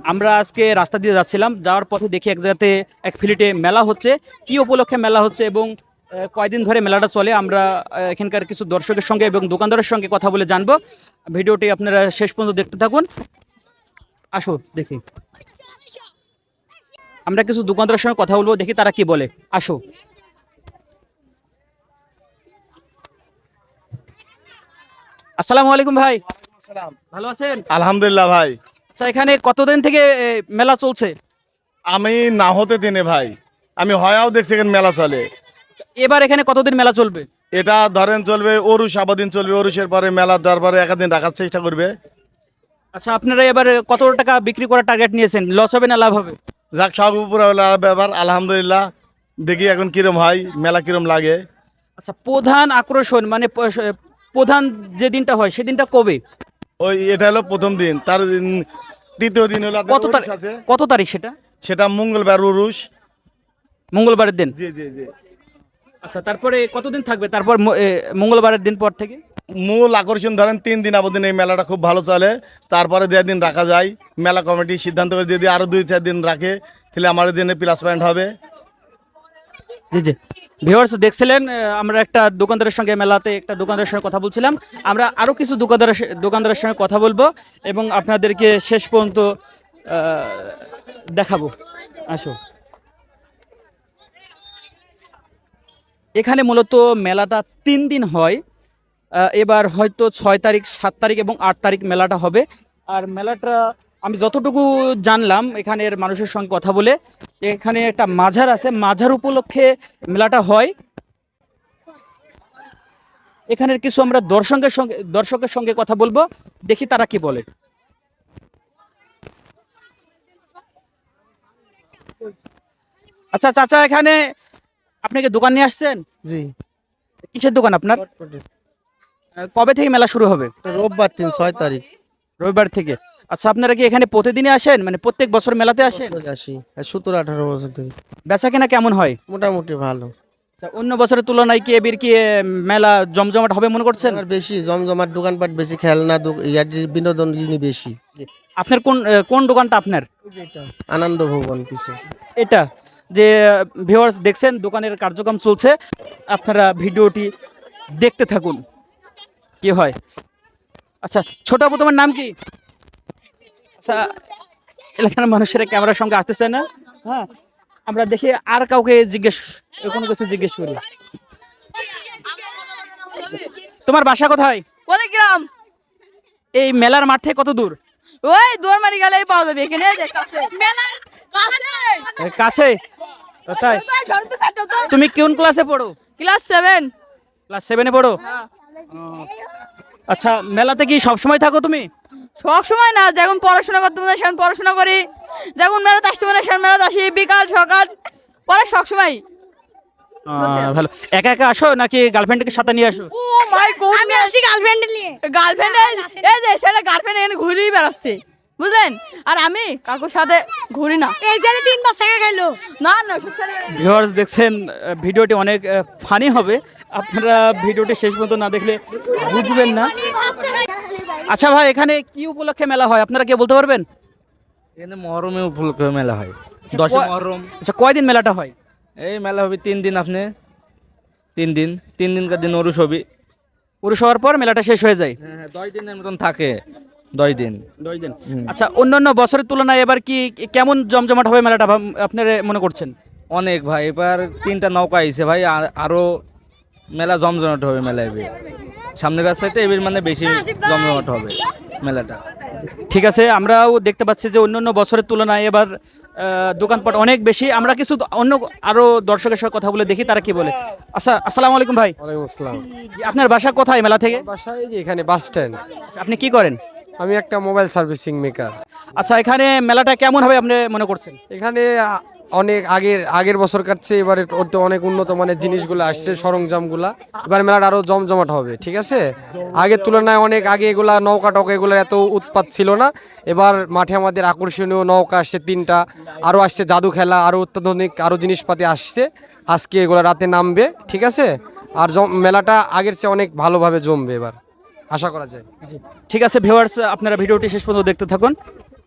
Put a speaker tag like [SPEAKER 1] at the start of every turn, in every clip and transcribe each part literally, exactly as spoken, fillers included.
[SPEAKER 1] আমরা আজকে রাস্তা দিয়ে যাচ্ছিলাম, যাওয়ার পথে দেখি এক জায়গাতে এক ফিলিটে মেলা হচ্ছে। কি উপলক্ষে মেলা হচ্ছে এবং আহ, কয়দিন ধরে মেলাটা চলে, আমরা আহ, এখানকার কিছু দর্শকের সঙ্গে এবং দোকানদারের সঙ্গে কথা বলে জানবো। ভিডিওটি আপনারা শেষ পর্যন্ত দেখতে থাকুন। আসো দেখি, আমরা কিছু দোকানদারের সঙ্গে কথা বলবো, দেখি তারা কি বলে। আসো। আসসালামু আলাইকুম ভাই, ভালো আছেন?
[SPEAKER 2] আলহামদুলিল্লাহ ভাই।
[SPEAKER 1] আচ্ছা, এখানে কতদিন থেকে এ, মেলা চলছে?
[SPEAKER 2] আমি না হতে দিনে ভাই, আমি হয়াও দেখছি এখানে মেলা চলে।
[SPEAKER 1] এবার এখানে কতদিন মেলা চলবে?
[SPEAKER 2] এটা ধরেন চলবে অরুষ, আবাদিন চলবে, অরুষের পরে মেলা দরবারে একাদিন রাখার চেষ্টা করবে।
[SPEAKER 1] আচ্ছা, আপনারা এবার কত টাকা বিক্রি করার টার্গেট নিয়েছেন? লস হবে না লাভ হবে?
[SPEAKER 2] যাক, সব উপরে ব্যাপার, আলহামদুলিল্লাহ। দেখি এখন কিরম হয়, মেলা কিরম লাগে।
[SPEAKER 1] আচ্ছা, প্রধান আকর্ষণ মানে প- প্রধান যে দিনটা হয় সেদিনটা কবে?
[SPEAKER 2] ওই এটা হলো প্রথম দিন, তার দিন দ্বিতীয় দিন হলো আপনার
[SPEAKER 1] কত
[SPEAKER 2] অরুষ
[SPEAKER 1] তারিখ?
[SPEAKER 2] আছে,
[SPEAKER 1] কত তারিখ সেটা?
[SPEAKER 2] সেটা মঙ্গলবার উরুষ।
[SPEAKER 1] মঙ্গলবারের দিন।
[SPEAKER 2] জি জি জি।
[SPEAKER 1] আচ্ছা, তারপরে কতদিন থাকবে তারপর ম- এ, মঙ্গলবারের দিন পর থেকে?
[SPEAKER 2] মূল আকর্ষণ ধরেন তিন দিন আবদিন এই মেলাটা খুব ভালো চলে। তারপরে যে দিন রাখা যায়, মেলা কমিটি সিদ্ধান্ত করে যদি আরো দুই চার দিন রাখে তাহলে আমার দিনে প্লাস পয়েন্ট হবে।
[SPEAKER 1] জি জি। ভিউয়ার্স দেখছিলেন, আহ, আমরা একটা দোকানদারের সঙ্গে মেলাতে একটা দোকানদারের সঙ্গে কথা বলছিলাম। আমরা আরও কিছু দোকানদারের স- দোকানদারের সঙ্গে কথা বলবো এবং আপনাদেরকে শেষ পর্যন্ত আহ, দেখাবো। আসো। এখানে মূলত মেলাটা তিন দিন হয়। আহ, এবার হয়তো ছয় তারিখ, সাত তারিখ এবং আট তারিখ মেলাটা হবে। আর মেলাটা আমি যতটুকু জানলাম এখানের মানুষের সঙ্গে কথা বলে, এখানে একটা মাজার আছে, মাজার উপলক্ষে মেলাটা হয়। এখানের কিছু আমরা দর্শকের সঙ্গে দর্শকের সঙ্গে কথা বলবো, দেখি তারা কি বলে। আচ্ছা চাচা, এখানে আপনি কি দোকান নিয়ে আসছেন?
[SPEAKER 3] জি,
[SPEAKER 1] কিসের দোকান আপনার? আহ, কবে থেকে মেলা শুরু হবে?
[SPEAKER 3] রোববার দিন ছয় তারিখ
[SPEAKER 1] রবিবার থেকে। আচ্ছা, আপনারা কি এখানে প্রতিদিনই আসেন, মানে প্রত্যেক বছর মেলাতে আসেন?
[SPEAKER 3] আসি সতেরো আঠারো বছর থেকে।
[SPEAKER 1] বেচা কেনা কেমন হয়?
[SPEAKER 3] মোটামুটি ভালো।
[SPEAKER 1] আচ্ছা, অন্য বছরের তুলনায় কি এবার কি আহ, মেলা জমজমাট হবে মনে করছেন?
[SPEAKER 3] আর বেশি জমজমাট, দোকানপাট বেশি, খেলনা দো- ইয়ার বিনোদন জিনিস বেশি।
[SPEAKER 1] আপনার কোন আহ, কোন দোকানটা আপনার?
[SPEAKER 3] আনন্দ ভবন পিছে।
[SPEAKER 1] এটা যে ভিউয়ার্স দেখছেন, দোকানের কার্যক্রম চলছে, আপনারা ভিডিওটি দেখতে থাকুন কি হয়। আচ্ছা, ছোট আপু তোমার নাম কি? আচ্ছা, এলাকার মানুষেরা ক্যামেরার সঙ্গে আসতেছে না। হ্যাঁ, আমরা দেখি আর কাউকে জিজ্ঞেস, কোনো কিছু জিজ্ঞেস করি। তোমার বাসা কোথায়?
[SPEAKER 4] গ্রাম।
[SPEAKER 1] এই মেলার মাঠ থেকে কত দূর?
[SPEAKER 4] ওই দৌড়মারি গেলেই পাওয়া যাবে, এখানে এই যে কাছে। মেলার কাছে।
[SPEAKER 1] এই কাছে? তাই? তুমি কোন ক্লাসে পড়ো?
[SPEAKER 4] Class seven.
[SPEAKER 1] ক্লাস সেভেনে পড়ো? ও, আচ্ছা, মেলাতে কি সব সময় থাকো তুমি?
[SPEAKER 4] সব সময় না, যখন পড়াশোনা করতে মনে হয় সেখানে পড়াশোনা করি, যখন মেলাতে আসতে মনে হয় সেখানে মেলাতে আসি, বিকাল সকাল পরে সব সময়।
[SPEAKER 1] আহ, ভালো। একা একা আসো নাকি গার্লফ্রেন্ডকে সাথে নিয়ে আসো?
[SPEAKER 4] ও মাই গড, আমি আসি গার্লফ্রেন্ড নিয়ে। গার্লফ্রেন্ড এই যে সেটা গার্লফ্রেন্ড এখানে ঘুরেই বেড়াচ্ছে, বুঝলেন? আর আমি কাকুর সাথে ঘুরি না। এই ছেলে তিন বার ছেঁকা খাইলো। না না, সব ছেলে
[SPEAKER 1] ভিউয়ার্স দেখছেন, আহ, ভিডিওটি অনেক ফানি হবে, আপনারা ভিডিওটি শেষ পর্যন্ত না দেখলে বুঝবেন না। আচ্ছা ভাই, এখানে কি উপলক্ষে মেলা হয় আপনারা কি বলতে পারবেন?
[SPEAKER 5] এখানে মহরমে উপলক্ষে মেলা হয়, দশই
[SPEAKER 1] কয়-
[SPEAKER 5] মহরম।
[SPEAKER 1] আচ্ছা, কয়দিন মেলাটা হয়?
[SPEAKER 5] এই মেলা হবে তিন দিন, আপনি তিন দিন তিন দিনকার দিন অরুষ হবে।
[SPEAKER 1] পুরুষ হওয়ার পর মেলাটা শেষ হয়ে যায়?
[SPEAKER 5] হ্যাঁ হ্যাঁ, দশ দিনের মতন থাকে, দশ দিন।
[SPEAKER 1] দশ দিন।
[SPEAKER 5] হুম।
[SPEAKER 1] আচ্ছা, অন্যান্য বছরের তুলনায় এবার কি কেমন জমজমাট হবে মেলাটা আপনারা মনে করছেন?
[SPEAKER 5] অনেক ভাই, এবার তিনটা নৌকা আইছে ভাই, আর- আরো মেলা জমজমাট হবে মেলা এবার। সামনের কাছ চাইতে এবার মানে বেশি জমজমাট হবে মেলাটা।
[SPEAKER 1] ঠিক আছে, আমরাও দেখতে পাচ্ছি যে অন্যান্য বছরের তুলনায় এবার আহ, দোকানপাট অনেক বেশি। আমরা কিছু দ- অন্য আরো দর্শকের সাথে কথা বলে দেখি তারা কি বলে। আচ্ছা, আসসালামু আলাইকুম ভাই,
[SPEAKER 6] ওয়ালাইকুম আসসালাম।
[SPEAKER 1] আপনার বাসা কোথায় মেলা থেকে?
[SPEAKER 6] বাসায় যে এখানে বাস স্ট্যান্ড।
[SPEAKER 1] আপনি কি করেন?
[SPEAKER 6] আমি একটা মোবাইল সার্ভিসিং মেকার।
[SPEAKER 1] আচ্ছা, এখানে মেলাটা কেমন হবে আপনি মনে করছেন?
[SPEAKER 6] এখানে আ- অনেক আগের আগের বছর কাটছে, এবারে ওতে অনেক উন্নত মানের জিনিসগুলো আসছে, সরঞ্জামগুলা। এবার মেলাটা আরো জমজমাট হবে, ঠিক আছে? আগের তুলনায় অনেক আগে এগুলা নৌকা টৌকা এগুলোর এত উৎপাত ছিল না। এবার মাঠে আমাদের আকর্ষণীয় নৌকা আসছে তিনটা, আরো আসছে জাদু খেলা, আরো অত্যাধুনিক আরো জিনিসপাতি আসছে। আজকে এগুলো রাতে নামবে, ঠিক আছে? আর জম- মেলাটা আগের চেয়ে অনেক ভালোভাবে জমবে এবার, আশা করা যায়।
[SPEAKER 1] ঠিক আছে ভিউয়ার্স, আপনারা ভিডিওটি শেষ পর্যন্ত দেখতে থাকুন।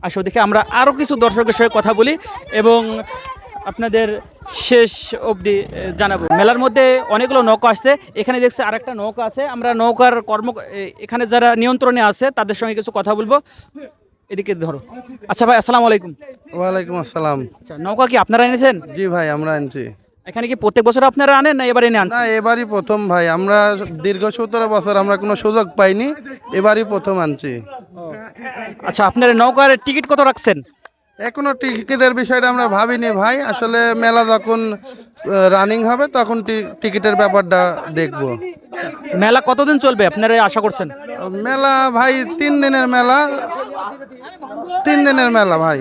[SPEAKER 1] আসো দেখে আমরা আরও কিছু দর্শকের সঙ্গে কথা বলি এবং আপনাদের শেষ অবধি এ, জানাবো। মেলার মধ্যে অনেকগুলো নৌকা আসছে, এখানে দেখছি আরেকটা নৌকা আছে। আমরা নৌকার কর্ম এ, এখানে যারা নিয়ন্ত্রণে আছে তাদের সঙ্গে কিছু কথা বলবো। এদিকে ধরো। আচ্ছা ভাই, আসসালামু আলাইকুম।
[SPEAKER 7] ওয়ালাইকুম আসসালাম।
[SPEAKER 1] আচ্ছা, নৌকা কি আপনারা এনেছেন?
[SPEAKER 7] জি ভাই, আমরা আনছি।
[SPEAKER 1] এখানে কি প্রত্যেক বছর আপনারা আনেন না এবারে এনে আন?
[SPEAKER 7] না, এবারই প্রথম ভাই, আমরা দীর্ঘ সতেরো বছর আমরা কোনো সুযোগ পাইনি, এবারই প্রথম আনছি।
[SPEAKER 1] আচ্ছা, আপনার নৌকার টিকিট কত রাখছেন?
[SPEAKER 7] এখনো টিকিটের বিষয়টা আমরা ভাবিনি ভাই, আসলে মেলা যখন রানিং হবে তখন টি- টিকিটের ব্যাপারটা দেখব।
[SPEAKER 1] মেলা কতদিন চলবে আপনারা আশা করছেন?
[SPEAKER 7] মেলা ভাই তিন দিনের মেলা, তিন দিনের মেলা ভাই।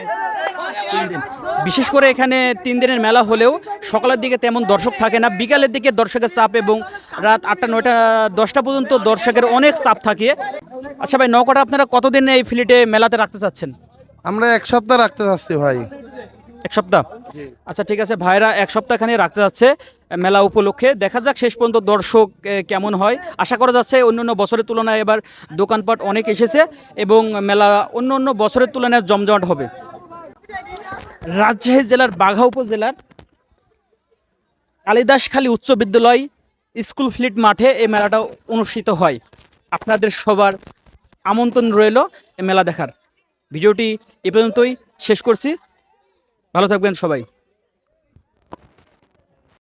[SPEAKER 1] বিশেষ করে এখানে তিন দিনের মেলা হলেও সকালের দিকে তেমন দর্শক থাকে না, বিকালের দিকে দর্শকের চাপ এবং রাত আটটা নয়টা দশটা পর্যন্ত দর্শকের অনেক চাপ থাকে। আচ্ছা ভাই, নৌকাটা আপনারা কতদিন এই ফিল্ডে মেলাতে রাখতে চাচ্ছেন?
[SPEAKER 7] আমরা এক সপ্তাহ রাখতে চাচ্ছি ভাই।
[SPEAKER 1] এক সপ্তাহ? আচ্ছা ঠিক আছে, ভাইরা এক সপ্তাহখানি রাখতে যাচ্ছে মেলা উপলক্ষে। দেখা যাক শেষ পর্যন্ত দর্শক এ, কেমন হয়। আশা করা যাচ্ছে অন্য অন্য বছরের তুলনায় এবার দোকানপাট অনেক এসেছে এবং মেলা অন্য অন্য বছরের তুলনায় জমজমাট হবে। রাজশাহী জেলার বাঘা উপজেলার কালিদাসখালী উচ্চ বিদ্যালয় স্কুল ফিল্ড মাঠে এই মেলাটা অনুষ্ঠিত হয়। আপনাদের সবার আমন্ত্রণ রইল এই মেলা দেখার। ভিডিওটি এ পর্যন্তই শেষ করছি। ভালো থাকবেন সবাই।